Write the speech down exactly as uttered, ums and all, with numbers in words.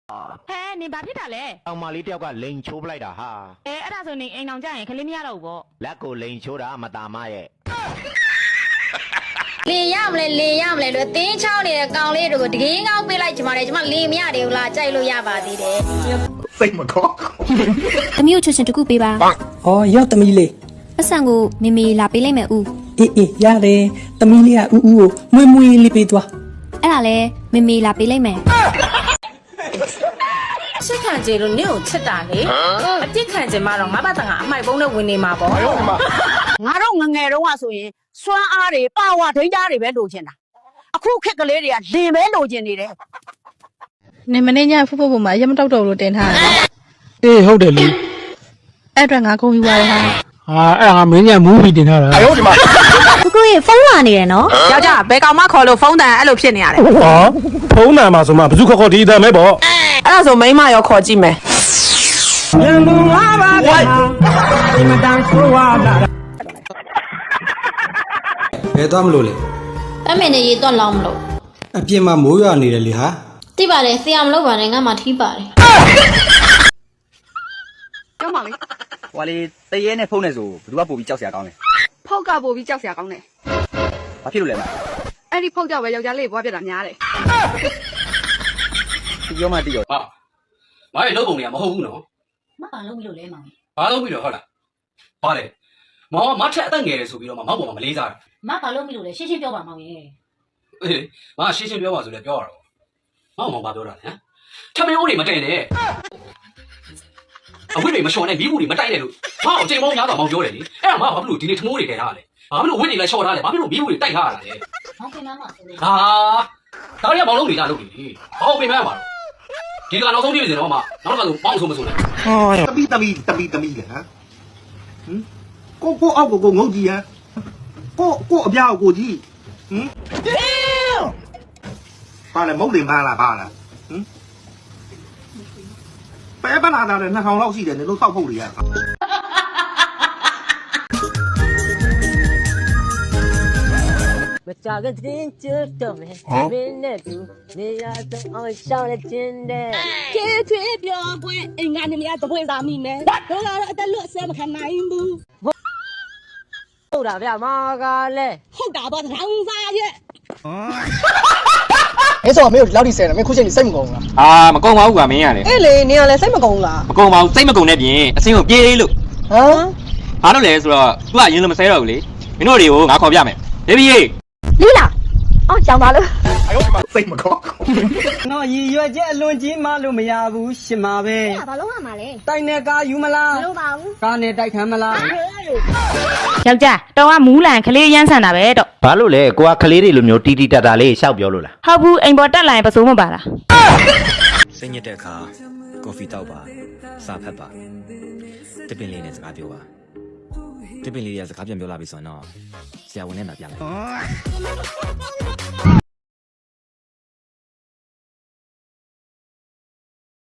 ဟဲ့နေဘာဖြစ်တာလဲအောင်မလေးတယောက်ကလိန်ချိုးပလိုက်တာဟာအဲအဲ့ဒါဆိုနေအိမ်အောင်ကြရင်ခလေးမရတော့ဘူးပေါ့လက်ကိုလိန်ချိုးတာမตาမရဲ့လင်ရမလဲလင်ရမလဲလို့တင်းချောင်းနေတဲ့ကောင်လေးတို့ကိုတကင်းကောင်းပေးလိုက်ချင်ပါတယ်ကျွန်မလင်မရတယ်ဘူးလားကြိုက်လို့ရပါသေးတယ်စိတ်မကောသမီးကိုချွတ်ချင်တခုပေးပါ။အော်ရောက်သမီးလေး။ပတ်စံကိုမေမေလာပေးလိုက်မယ်ဦး။အေးအေးရတယ်။သမီးလေးကဦးဦးကိုမွေးမွေးလေးပေးသွား။အဲ့ဒါလဲမေမေလာပေးလိုက်မယ်။ချစ်ခံကြလို့နင့်ကိုချစ်တာလေ။အပြစ်ခံကြမှာတော့ငါဘာတန်ကအမိုက်ပုံးနဲ့ဝင်နေမှာပေါ့ငါတို့ငငယ်တုန်းကဆိုရင်စွမ်းအားတွေပါဝါဒိန်းသားတွေပဲလိုချင်တာအခုခက်ကလေးတွေကလင်ပဲလိုချင်နေတယ်နေမနေ့ညဖူးဖူးပုံမှာရမတောက်တော့လို့တင်ထားတယ်အေးဟုတ်တယ်လေအဲ့အတွက်ငါကုန်ယူပါရဟာဟာအဲ့ငါမင်းညမူးပြီးတင်ထားတာအယောဒီမှာကိုကိုရေဖုန်းလာနေတယ်နော်ယောက်ျားဘယ်ကောင်မှခေါ်လို့ဖုန်းတန်အဲ့လိုဖြစ်နေရတယ်ဟောဖုန်းနံပါဆိုမှဘယ်သူခေါ်ခေါ်ဒီအတန်ပဲပေါ့အဲ့ဒါဆိုမိန်းမရောခေါ်ကြည့်မယ်ရန်ကုန်လာပါဗျာဒီမတန်ဆိုးဝါလာဘယ်သွားမလို့လဲတမင်နေရေတော့လောင်းမလို့အပြင်မှာမိုးရွာနေတယ်လေဟာသိပါတယ်ဆရာမလုပ်ပါနဲ့ငါမှထီးပါတယ်ကျောင်းပါလေဟွာလေတရေနဲ့ဖုန်းနဲ့ဆိုဘယ်သူကပို့ပြီးကြောက်စရာကောင်းလဲဖုတ်ကပို့ပြီးကြောက်စရာကောင်းတယ်ဘာဖြစ်လို့လဲမအဲ့ဒီဖုတ်ကြောက်ပဲယောက်ျားလေးဘွားပြတာများတယ်ဒီပြောမှတိရောဟာမရဲ့လုပ်ပုံတွေကမဟုတ်ဘူးနော်မပါလို့မလို့လဲမောင်ဘာလုပ်ပြီးတော့ဟုတ်လားဘာလဲမောင်ကမထက်အသက်ငယ်တယ်ဆိုပြီးတော့မမောက်ပေါ်မှာမလေးစားတယ်မပါလို့မလို့လဲရှင်းရှင်းပြောပါမောင်ရဲ့အေးမရှင်းရှင်းပြောပါဆိုလဲပြောရတော့မောင်မောင်ဘာပြောတာလဲဟမ်ထမင်းအိုးတွေမတင်နဲ့အဝိတွေမလျှော်နဲ့မိဘူးတွေမတိုက်နဲ့လို့မောင်အချိန်မောင်းများတော့မောင်ပြောတယ်လေအဲ့ဒါမောင်ဘာဖြစ်လို့ဒီနေ့ထမိုးတွေခဲထားလဲဘာဖြစ်လို့ဝိတွေလည်းလျှော်ထားလဲဘာဖြစ်လို့မိဘူးတွေတိုက်ထားရလဲမောင်ခင်မမဆိုလေဟာဒါရီကမောင်လုံးနေကြလုပ်နေဘာလို့ပြင်မရမှာတော့ဒီကနောက်ဆုံးပြည့်စင်တော့မှနောက်တော့မောင်ဆုံးမဆုံးလဲတပီတပီတပီတပီလေဟမ်ဟင်ကိုကိုအောက်ကိုကိုငုတ်ကြည့်ဟမ်ကိုကိုအပြားကိုကြီးဟင်ဘာလဲမုတ်တင်ပါလားဘာလားဟင်ပဲပနာတာလည်းနှစ်ထောင်လောက်ရှိတယ်နေလို့စောက်ဖို့တွေရမကြကတင်းကျွတ်တော့မယ်မင်းနဲ့သူနေရာတော့အောင်ရှောင်းလက်ချင်းတဲ့ကျေးချွေးပြောပွင့်အင်္ဂါနေမရတပွင့်သာမိမယ်တို့ကတော့အတက်လွတ်ဆဲမခံနိုင်ဘူးဟုတ်တာဗျမာကလည်းဟုတ်တာပေါ့ထောင်စားရဲ့အဲ့ဆိုမင်းတို့လောက်ဒီဆဲတယ်မင်းခုချိန်စိတ်မကုန်ဘူးလားအာမကုန်ပါဘူးကွာမင်းရတယ်အေးလေနေရလဲစိတ်မကုန်ဘူးလားမကုန်ပါဘူးစိတ်မကုန်တဲ့ပြင်အစင်းကိုပြေးလို့ဟမ်ဘာလို့လဲဆိုတော့ तू ကရင်းလို့မဆဲတော့ဘူးလေမင်းတို့တွေကိုငါခေါ်ပြမယ်ဘေဘီရေလီလာအော်ကြောင်ပါလို့အယောဒီမှာစိတ်မကောနော်ရည်ရွယ်ချက်အလွန်ကြီးမှလို့မရဘူးရှင်ပါပဲဘာလို့ရမှာလဲတိုက်နဲ့ကားယူမလားမလို့ပါဘူးကားနဲ့တိုက်ခံမလားယောက်ျားတော်ကမူးလန်ခလေးရမ်းဆန်တာပဲတော့ဘာလို့လဲကိုကကလေးတွေလိုမျိုးတီတီတာတာလေးရှောက်ပြောလို့လားဟုတ်ဘူးအိမ်ပေါ်တက်လာရင်ပစိုးမပါလားစိတ်ညစ်တဲ့အခါကော်ဖီတောက်ပါစာဖတ်ပါတပင်လေးနဲ့စကားပြောပါတပင်လေးတွေကစကားပြန်ပြောလာပြီဆိုတော့ဆရာဝန်နဲ့လာပြလိုက်